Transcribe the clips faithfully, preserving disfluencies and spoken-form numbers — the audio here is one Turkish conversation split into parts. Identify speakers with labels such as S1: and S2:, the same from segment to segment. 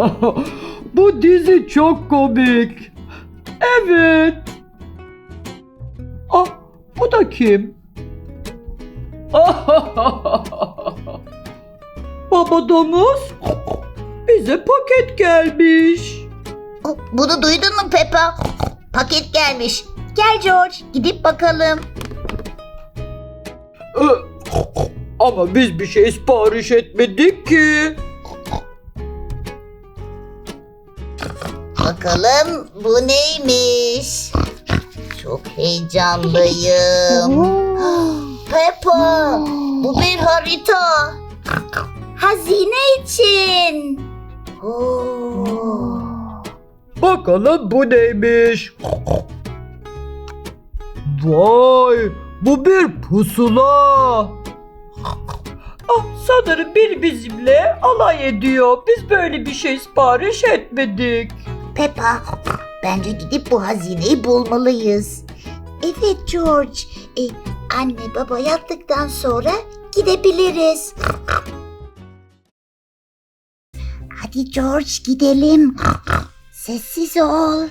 S1: Bu dizi çok komik. Evet. Ah, bu da kim? Baba domuz, bize paket gelmiş.
S2: Bunu duydun mu Peppa? Paket gelmiş. Gel George, gidip bakalım.
S1: Ama biz bir şey sipariş etmedik ki.
S2: Bakalım bu neymiş? Çok heyecanlıyım. Peppa, bu bir harita. Hazine için. Oo.
S1: Bakalım bu neymiş? Vay, bu bir pusula. Ah, sanırım biri bizimle alay ediyor. Biz böyle bir şey sipariş etmedik.
S2: Peppa, bence gidip bu hazineyi bulmalıyız. Evet George, e, anne baba yattıktan sonra gidebiliriz. Hadi George gidelim. Sessiz ol.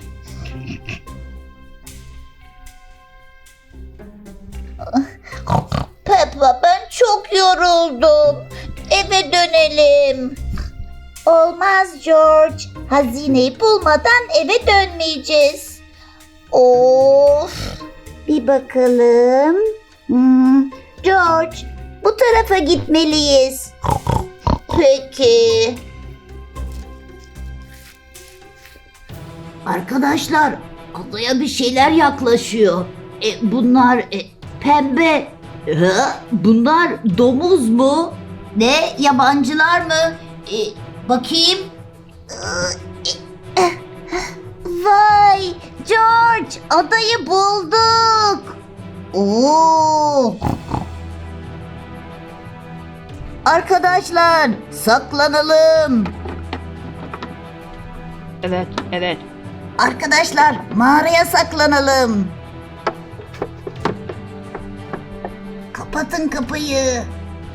S2: Peppa, ben çok yoruldum. Eve dönelim. Olmaz George. Hazineyi bulmadan eve dönmeyeceğiz. Of. Bir bakalım. Hmm, George, bu tarafa gitmeliyiz. Peki. Arkadaşlar, adaya bir şeyler yaklaşıyor. E, bunlar e, pembe. Ha, bunlar domuz mu? Ne? Yabancılar mı? E, bakayım. Vay! George! Adayı bulduk! Oo! Arkadaşlar, saklanalım.
S1: Evet, evet.
S2: Arkadaşlar, mağaraya saklanalım. Kapatın kapıyı.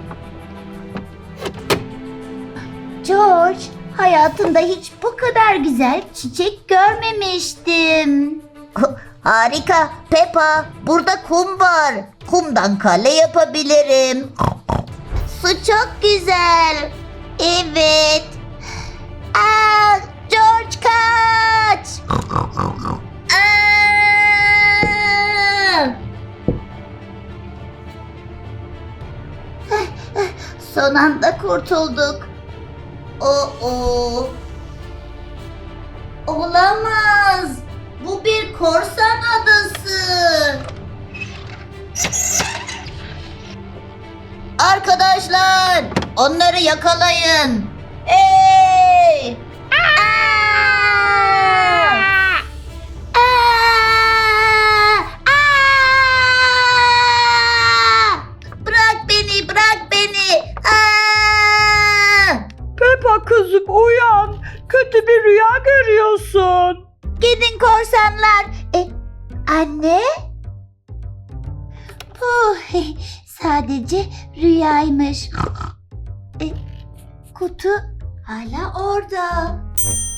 S2: George, hayatımda hiç bu kadar güzel çiçek görmemiştim. Harika Peppa, burada kum var. Kumdan kale yapabilirim. Su çok güzel. Evet. Aa, George kaç. Aa! Son anda kurtulduk. Oo. Olamaz. Bu bir korsan adası. Arkadaşlar, onları yakalayın. Hey! Aa! Aa! Aa! Bırak beni, bırak beni. Aa!
S1: Peppa kızım uyan. Kötü bir rüya görüyorsun.
S2: Gidin korsanlar. E, anne? Oh, sadece rüyaymış. E, kutu hala orada.